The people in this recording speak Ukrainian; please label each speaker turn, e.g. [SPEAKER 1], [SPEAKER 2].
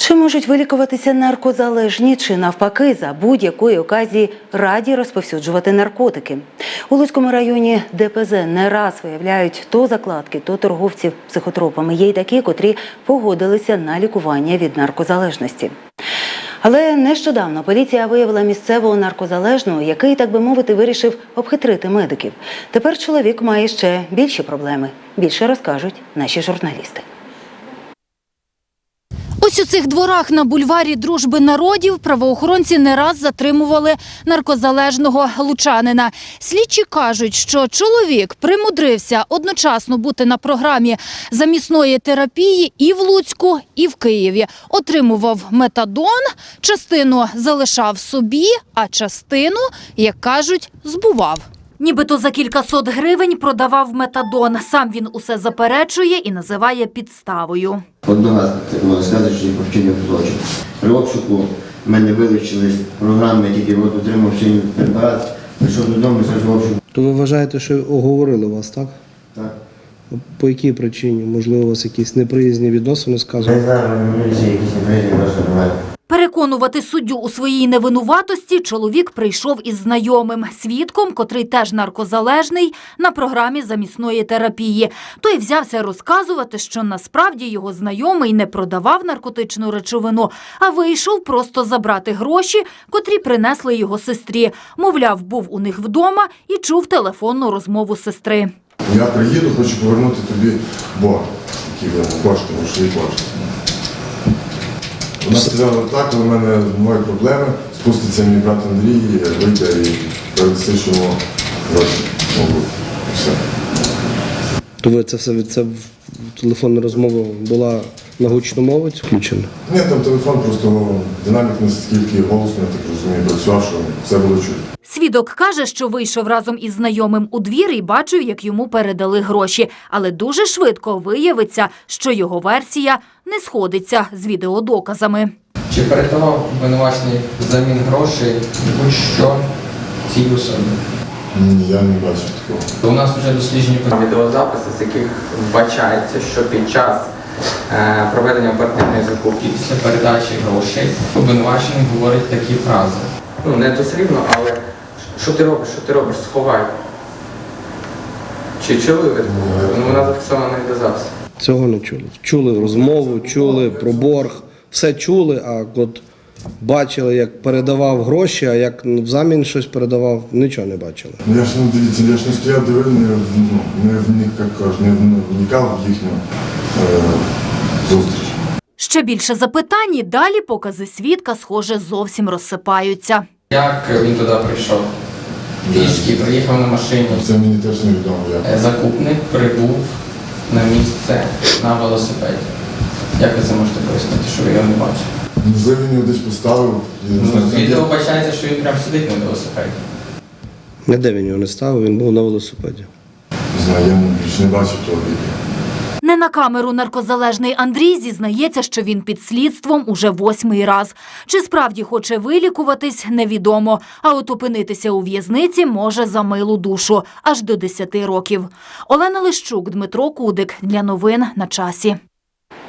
[SPEAKER 1] Чи можуть вилікуватися наркозалежні, чи навпаки за будь-якої оказії раді розповсюджувати наркотики? У Луцькому районі ДПЗ не раз виявляють то закладки, то торговців психотропами. Є й такі, котрі погодилися на лікування від наркозалежності. Але нещодавно поліція виявила місцевого наркозалежного, який, так би мовити, вирішив обхитрити медиків. Тепер чоловік має ще більші проблеми. Більше розкажуть наші журналісти.
[SPEAKER 2] Ось у цих дворах на бульварі Дружби народів правоохоронці не раз затримували наркозалежного лучанина. Слідчі кажуть, що чоловік примудрився одночасно бути на програмі замісної терапії і в Луцьку, і в Києві. Отримував метадон, частину залишав собі, а частину, як кажуть, збував. Нібито за кількасот гривень продавав метадон. Сам він усе заперечує і називає підставою.
[SPEAKER 3] Одного можна сказати, що по вчинив злочин. При обшуку в мене вилучили програми, тільки отримав сьогодні препарат, прийшов додому, зразу обшук.
[SPEAKER 4] То ви вважаєте, що оговорили вас, так?
[SPEAKER 3] Так.
[SPEAKER 4] По якій причині? Можливо, у вас якісь неприязні відносини сказали?
[SPEAKER 3] Не знаю, мені всі якісь неприязні відносини.
[SPEAKER 2] Переконувати суддю у своїй невинуватості чоловік прийшов із знайомим, свідком, котрий теж наркозалежний, на програмі замісної терапії. Той взявся розказувати, що насправді його знайомий не продавав наркотичну речовину, а вийшов просто забрати гроші, котрі принесли його сестрі. Мовляв, був у них вдома і чув телефонну розмову сестри.
[SPEAKER 5] Я приїду, хочу повернути тобі борг, який кошти, грошові кошти. Вона сказала, так, у мене мої проблеми, спуститься мій брат Андрій, вийде і передаси, що йому гроші можуть. Все.
[SPEAKER 4] То ви це телефонна розмова була на гучномовець включена?
[SPEAKER 5] Ні, там телефон, просто динамік наскільки голосно, я так розумію, працював, що все було чути.
[SPEAKER 2] Свідок каже, що вийшов разом із знайомим у двір і бачив, як йому передали гроші. Але дуже швидко виявиться, що його версія не сходиться з відеодоказами.
[SPEAKER 6] Чи передавав обвинувачений взамін грошей будь-що цій особі?
[SPEAKER 5] Ні, я не бачив такого.
[SPEAKER 6] У нас вже досліджені
[SPEAKER 7] відеозаписи, з яких вбачається, що під час проведення оперативної закупки
[SPEAKER 6] після передачі грошей обвинувачений говорить такі фрази.
[SPEAKER 7] Не дослівно, але що ти робиш, сховай. Чи чули ви? Вона зафіксована на відеозаписі.
[SPEAKER 4] Цього не чули. Чули розмову, чули про борг, все чули, а от бачили, як передавав гроші, а як взамін щось передавав, нічого не бачили.
[SPEAKER 5] Я ж не стояв, дивив, не вникав в їхню зустріч.
[SPEAKER 2] Ще більше запитань і далі покази свідка, схоже, зовсім розсипаються.
[SPEAKER 6] Як він туди прийшов? Пішки, приїхав на машині.
[SPEAKER 5] Це мені теж невідомо.
[SPEAKER 6] Закупник прибув на місце на велосипеді. Як ви це можете пояснити, що ви його не бачили?
[SPEAKER 5] Можливо, він його десь поставив.
[SPEAKER 6] З відео вбачається, що він прямо сидить на велосипеді.
[SPEAKER 4] Ніде він його не ставив, він був на велосипеді.
[SPEAKER 5] Не знаю, я більше не бачив того відео.
[SPEAKER 2] Не на камеру наркозалежний Андрій зізнається, що він під слідством уже 8-й раз. Чи справді хоче вилікуватись, невідомо. А от опинитися у в'язниці може за милу душу – аж до 10 років. Олена Лищук, Дмитро Кудик. Для новин на часі.